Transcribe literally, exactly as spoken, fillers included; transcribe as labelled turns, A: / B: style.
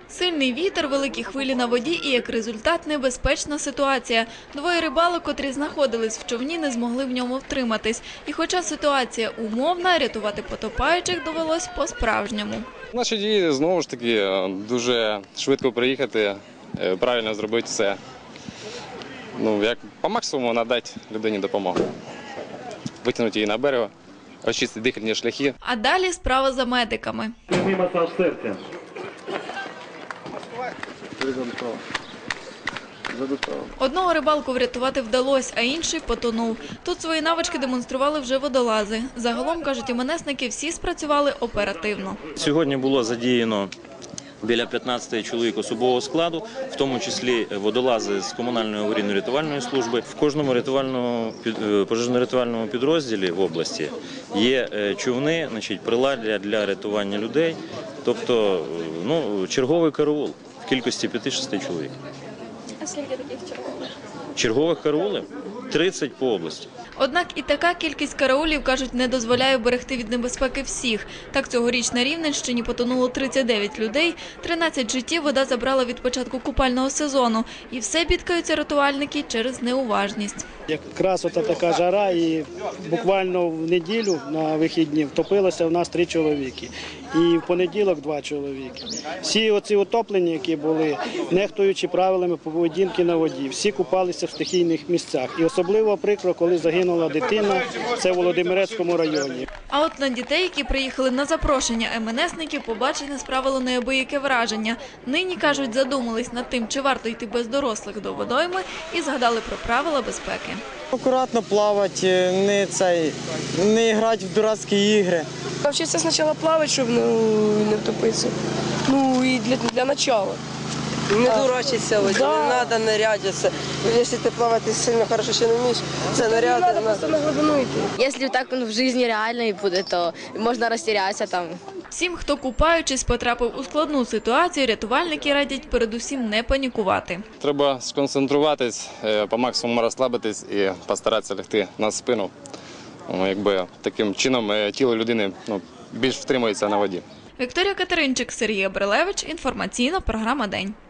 A: Сильний вітер, великі хвилі на воді і, як результат, небезпечна ситуація. Двоє рибалок, котрі знаходились в човні, не змогли в ньому втриматись. І хоча ситуація умовна, рятувати потопаючих довелось по-справжньому.
B: Наші дії, знову ж таки, дуже швидко приїхати, правильно зробити все. Ну, як по максимуму надати людині допомогу. Витягнути її на берег, очистити дихальні шляхи.
A: А далі справа за медиками.
C: Прямий масаж серця.
A: Одного рибалку врятувати вдалося, а інший потонув. Тут свої навички демонстрували вже водолази. Загалом, кажуть іменесники, всі спрацювали оперативно.
D: Сьогодні було задіяно біля п'ятнадцяти чоловік особового складу, в тому числі водолази з комунальної аварійно-рятувальної служби. В кожному рятувальному пожежно-рятувальному підрозділі в області є човни, значить, приладдя для рятування людей, тобто ну, черговий караул в кількості п'яти-шести чоловік.
E: А скільки таких чергових?
D: Чергових караулів тридцять по області.
A: Однак і така кількість караулів, кажуть, не дозволяє берегти від небезпеки всіх. Так, цьогоріч на Рівненщині потонуло тридцять дев'ять людей, тринадцять життів вода забрала від початку купального сезону. І все бідкаються рятувальники через неуважність.
F: Якраз ота така жара, і буквально в неділю на вихідні втопилося в нас три чоловіки. І в понеділок два чоловіки. Всі оці утоплені, які були, нехтуючи правилами поведінки на воді, всі купалися в стихійних місцях. І особливо прикро, коли загинула дитина, це в Володимирецькому районі.
A: А от на дітей, які приїхали на запрошення ем ен есників, побачення справило неабияке враження. Нині, кажуть, задумались над тим, чи варто йти без дорослих до водойми, і згадали про правила безпеки.
G: Акуратно плавати, не, цей, не грати в дурацькі ігри.
E: Навчитися спочатку плавати, щоб не, не втопитися. Ну і для, для початку.
H: Не дурачиться, воді, да. Не треба ныряти. Якщо ти плавати сильно хорошо ще не вмієш, це ныряти.
E: Не треба просто на глибину йти.
I: Якщо так в житті реально буде, то можна розтірятися там.
A: Всім, хто купаючись потрапив у складну ситуацію, рятувальники радять передусім не панікувати.
B: Треба сконцентруватись, по максимуму розслабитись і постаратися лягти на спину. Якби таким чином тіло людини ну, більш втримується на воді.
A: Вікторія Катеринчик, Сергій Абрилевич. Інформаційна програма «День».